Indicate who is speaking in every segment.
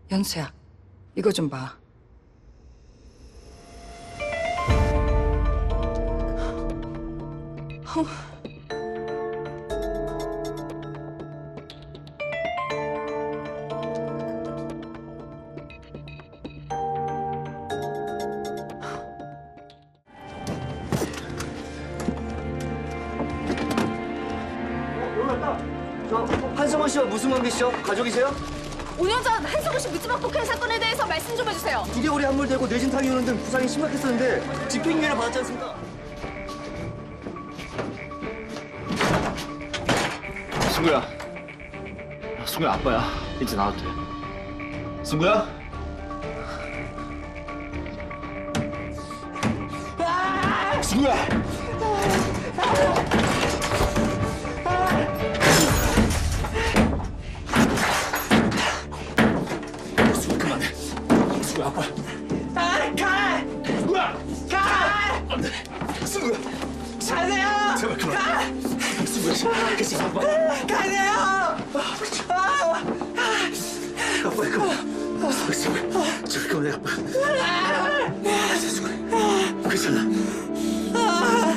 Speaker 1: 연수야, 이거 좀 봐.
Speaker 2: 여기 왔다. 저 한성원 씨와 무슨 관계시죠? 가족이세요?
Speaker 3: 5년 전 한성우 씨 묻지마 폭행 사건에 대해서 말씀 좀 해주세요.
Speaker 2: 두개골이 함몰되고 뇌진탕이 오는 등 부상이 심각했었는데 집행유예를 받았지 않습니까?
Speaker 4: 승구야 아빠야. 이제 나와도 돼. 승구야? 승구야! 승구 그만해. 승구야 아빠. 가! 승구야! 가! 안 돼. 승구야. 가세요! 제발 그만. 승구야. 그치 아빠.
Speaker 2: 가세요! 아빠 그만. 승구야. 제발 그만해 아빠. 승구야. 괜찮아.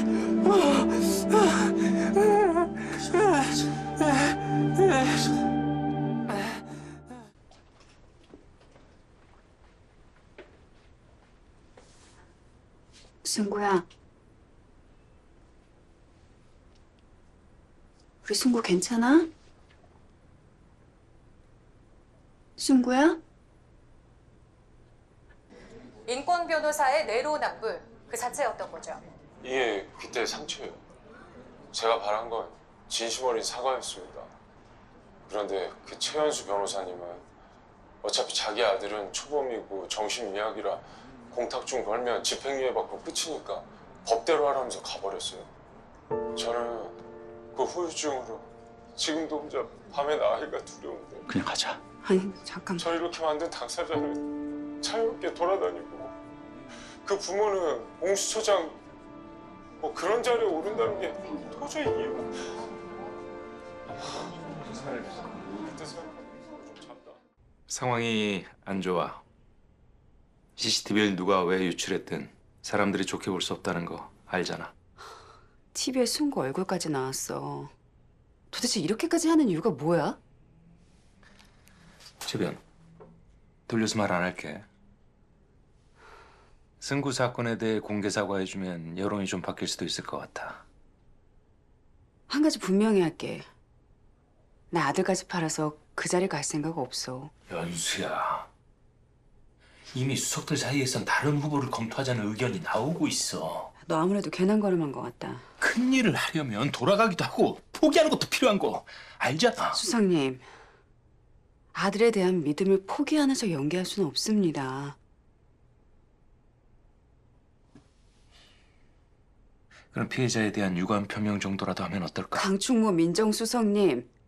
Speaker 5: 승구야. 우리 승구 괜찮아? 승구야?
Speaker 3: 인권 변호사의 내로남불 그 자체였던 거죠.
Speaker 6: 이게 그때 상처예요. 제가 바란 건 진심 어린 사과였습니다. 그런데 그 최현수 변호사님은 어차피 자기 아들은 초범이고 정신미약이라 공탁중 걸면 집행유예 받고 끝이니까 법대로 하라면서 가버렸어요. 저는 그 후유증으로 지금도 혼자 밤에 나가기가 두려운데
Speaker 4: 그냥 가자.
Speaker 5: 아니 잠깐.
Speaker 6: 저 이렇게 만든 당사자는 자유롭게 돌아다니고 그 부모는 공수처장 뭐 그런 자리에 오른다는 게 도저히 이해가 그때 생각하면 좀 잔다.
Speaker 7: 상황이 안 좋아. CCTV를 누가 왜 유출했든 사람들이 좋게 볼 수 없다는 거 알잖아.
Speaker 5: TV에 승구 얼굴까지 나왔어. 도대체 이렇게까지 하는 이유가 뭐야?
Speaker 7: 최변, 돌려서 말 안 할게. 승구 사건에 대해 공개 사과해주면 여론이 좀 바뀔 수도 있을 것 같아.
Speaker 5: 한 가지 분명히 할게. 나 아들까지 팔아서 그 자리 갈 생각 없어.
Speaker 7: 연수야, 이미 수석들 사이에선 다른 후보를 검토하자는 의견이 나오고 있어.
Speaker 5: 너 아무래도 괜한 걸음한 것 같다.
Speaker 7: 큰 일을 하려면 돌아가기도 하고 포기하는 것도 필요한 거 알잖아.
Speaker 5: 수석님, 아들에 대한 믿음을 포기하는 척 연기할 수는 없습니다.
Speaker 7: 그럼 피해자에 대한 유감 표명 정도라도 하면 어떨까?
Speaker 5: 강충모 민정수석님,